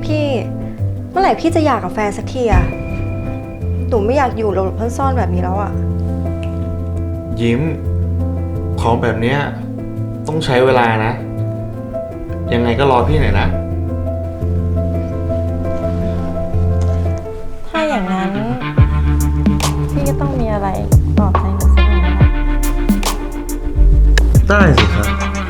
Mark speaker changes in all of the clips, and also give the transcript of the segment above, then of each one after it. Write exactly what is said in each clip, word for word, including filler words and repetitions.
Speaker 1: พี่เมื่อไหร่พี่จะอยากกับแฟนสักทีอะหนูไม่อยากอยู่หลบๆซ่อนๆแบบนี้แล้วอะ
Speaker 2: ยิ้มของแบบเนี้ยต้องใช้เวลานะ ยังไงก็รอพี่หน่อยนะ
Speaker 1: ถ้าอย่างนั้นพี่ก็ต้องมีอะไรปลอบใจหนูสักหน่อยนะคะ
Speaker 2: ได้สิครับ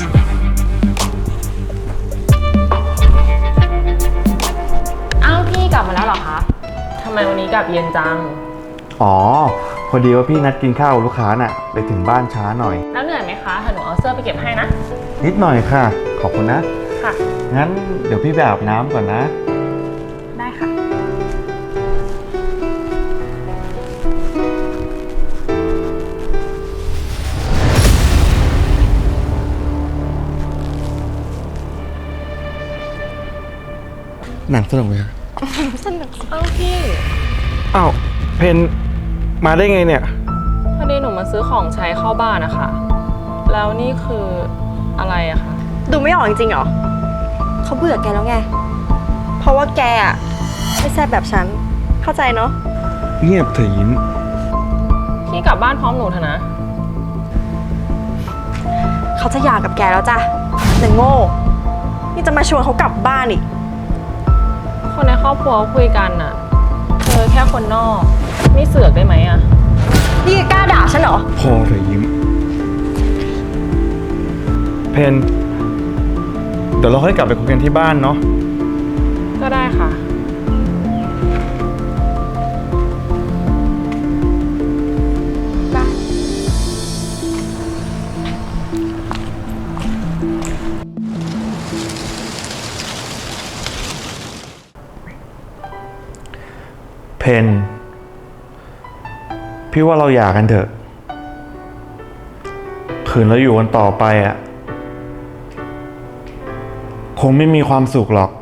Speaker 3: อ้าวพี่กลับมาแล้วเหรอคะทำไมวันนี้กลับเย็นจัง
Speaker 2: อ๋อพอดีว่าพี่นัดกินข้าวกับลูกค้าน่ะไปถึงบ้านช้าหน่อย
Speaker 3: แล้วเหนื่อยไหมคะเดี๋ยวหนูเอาเสื้อไปเก็บให้นะ
Speaker 2: นิดหน่อยค่ะขอบคุณนะ
Speaker 3: ค่ะ
Speaker 2: งั้นเดี๋ยวพี่ไปอาบน้ำก่อนนะ
Speaker 3: ได้ค่ะ
Speaker 2: หนังสนุกไหมครับ
Speaker 1: สนุก
Speaker 3: อ้าวพี่
Speaker 2: อ้าวเพนมาได้ไงเนี่ย
Speaker 3: พอดีหนูมาซื้อของใช้เข้าบ้านนะคะแล้วนี่คืออะไรอะคะ
Speaker 1: ดูไม่ออกจริงๆเหรอเขาเบื่อแกแล้วไงเพราะว่าแกอะไม่แซ่บแบบฉันเข้าใจเนาะ
Speaker 2: เงียบเถอะยิ้ม
Speaker 3: พี่กลับบ้านพร้อมหนูเถอะนะ
Speaker 1: เขาจะหย่ากับแกแล้วจ้ะแต่โง่นี่จะมาชวนเขากลับบ้านอีก
Speaker 3: คนในครอบครัวคุยกันน่ะเธอแค่คนนอกไม่เสือกได้ไหมอะ
Speaker 1: นี่กล้าด่าฉันเหรอ
Speaker 2: พอเถอะยิ้มเพนเดี๋ยวเราค่อยกลับไปคุยกันที่บ้านเนาะ
Speaker 3: ก็ได้ค่ะ
Speaker 1: ได้
Speaker 2: เพนพี่ว่าเราหย่ากันเถอะคืนเราอยู่กันต่อไปอ่ะคงไม่มีความสุขหรอก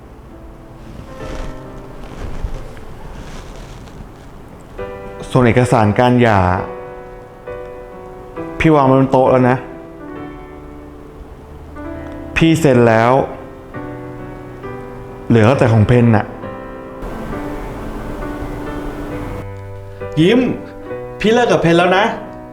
Speaker 2: ส่วนเอกสารการหย่าพี่วางไว้บนโต๊ะแล้วนะพี่เซ็นแล้วเหลือแต่ของเพนน่ะยิ้มพี่เลิกกับเพนแล้วนะ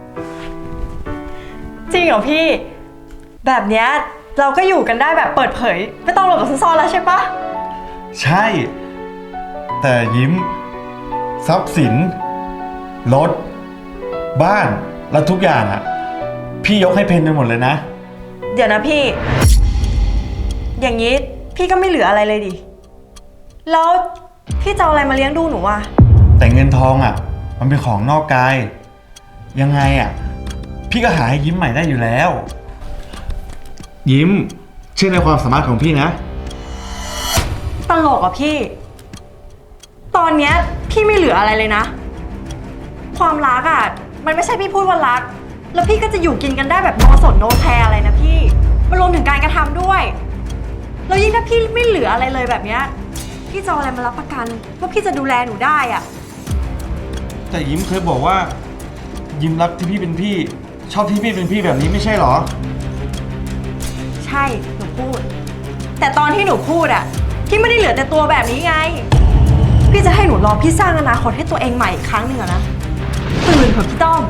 Speaker 1: จริงเหรอพี่แบบเนี้ยเราก็อยู่กันได้แบบเปิดเผยไม่ต้องหลบหลบซ่อนๆแล้วใช่ปะ
Speaker 2: ใช่แต่ยิ้มทรัพย์สินรถบ้านและทุกอย่างอ่ะพี่ยกให้เพนไปหมดเลยนะ
Speaker 1: เดี๋ยวนะพี่อย่างนี้พี่ก็ไม่เหลืออะไรเลยดิแล้วพี่จะเอาอะไรมาเลี้ยงดูหนูอ่ะ
Speaker 2: แต่เงินทองอ่ะมันเป็นของนอกกายยังไงอ่ะพี่ก็หาให้ยิ้มใหม่ได้อยู่แล้วยิ้มเชื่อในความสามารถของพี่นะ
Speaker 1: ตลกอ่ะพี่ตอนเนี้ยพี่ไม่เหลืออะไรเลยนะความรักอ่ะมันไม่ใช่พี่พูดว่ารักแล้วพี่ก็จะอยู่กินกันได้แบบโนสนโนแคร์อะไรนะพี่มันรวมถึงการกระทำด้วยแล้วยิ่งถ้าพี่ไม่เหลืออะไรเลยแบบเนี้ยพี่จะเอาอะไรมารับประกันว่าพี่จะดูแลหนูได้อ่ะ
Speaker 2: แต่ยิ้มเคยบอกว่ายิ้มรักที่พี่เป็นพี่ชอบที่พี่เป็นพี่แบบนี้ไม่ใช่หรอ
Speaker 1: ใช่หนูพูดแต่ตอนที่หนูพูดอ่ะพี่ไม่ได้เหลือแต่ตัวแบบนี้ไงพี่จะให้หนูรอพี่สร้างอนาคตให้ตัวเองใหม่อีกครั้งหนึ่งอะนะตื่นเถอะพี่ต้อม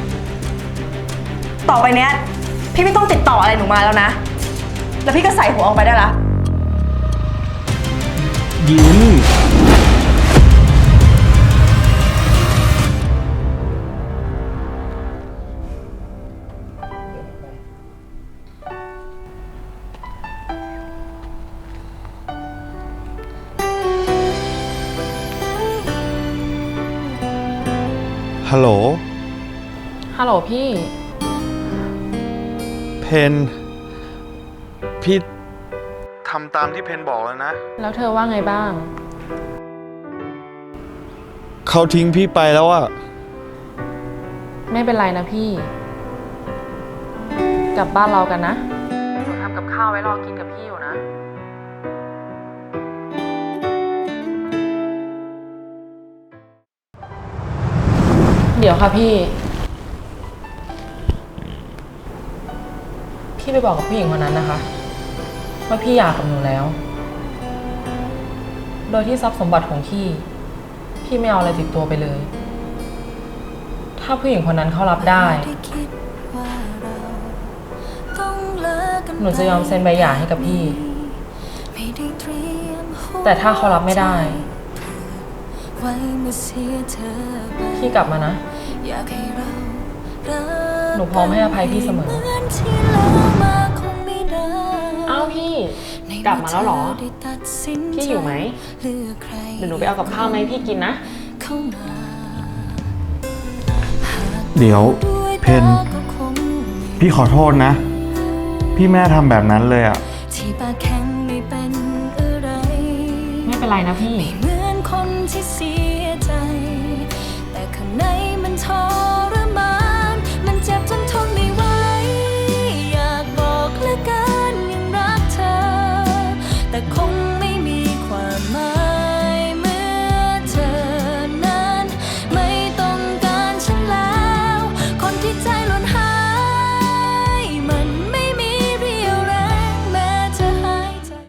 Speaker 1: ต่อไปเนี้ยพี่ไม่ต้องติดต่ออะไรหนูมาแล้วนะแล้วพี่ก็ใส่หัวออกไปได้ละ
Speaker 2: ยิ้มฮัลโหล
Speaker 3: ฮัลโหลพี่
Speaker 2: เพนพี่ทำตามที่เพนบอกแล้วนะ
Speaker 3: แล้วเธอว่าไงบ้าง
Speaker 2: เขาทิ้งพี่ไปแล้วอะ
Speaker 3: ไม่เป็นไรนะพี่กลับบ้านเรากันนะหนูทำกับข้าวไว้รอกินกับพี่อยู่นะเดี๋ยวค่ะพี่พี่ไปบอกกับผู้หญิงคนนั้นนะคะว่าพี่อยากกับหนูแล้วโดยที่ทรัพย์สมบัติของพี่ พี่ไม่เอาอะไรติดตัวไปเลย ถ้าผู้หญิงคนนั้นเขารับได้ หนูจะยอมเซ็นใบหย่าให้กับพี่ แต่ถ้าเขารับไม่ได้ พี่กลับมานะ หนูพร้อมให้อภัยพี่เสมอ อ้าวพี่ กลับมาแล้วเหรอ พี่อยู่ไหม เดี๋ยวหนูไปเอากับข้าวมาให้พี่กินนะ
Speaker 2: เดี๋ยวเพนพี่ขอโทษนะ พี่แม่ทำแบบนั้นเลยอ่ะ
Speaker 4: ที่ปากแข็งไม่เป็นอะไร
Speaker 3: ไม่เป็นไรนะพี่
Speaker 4: ไม่เหมือนคนที่เสียใจ แต่ข้างในมันทรมาน มันเจ็บจนทนไม่ไหว อยากบอกเหลือเกินยังรักเธอ แต่คง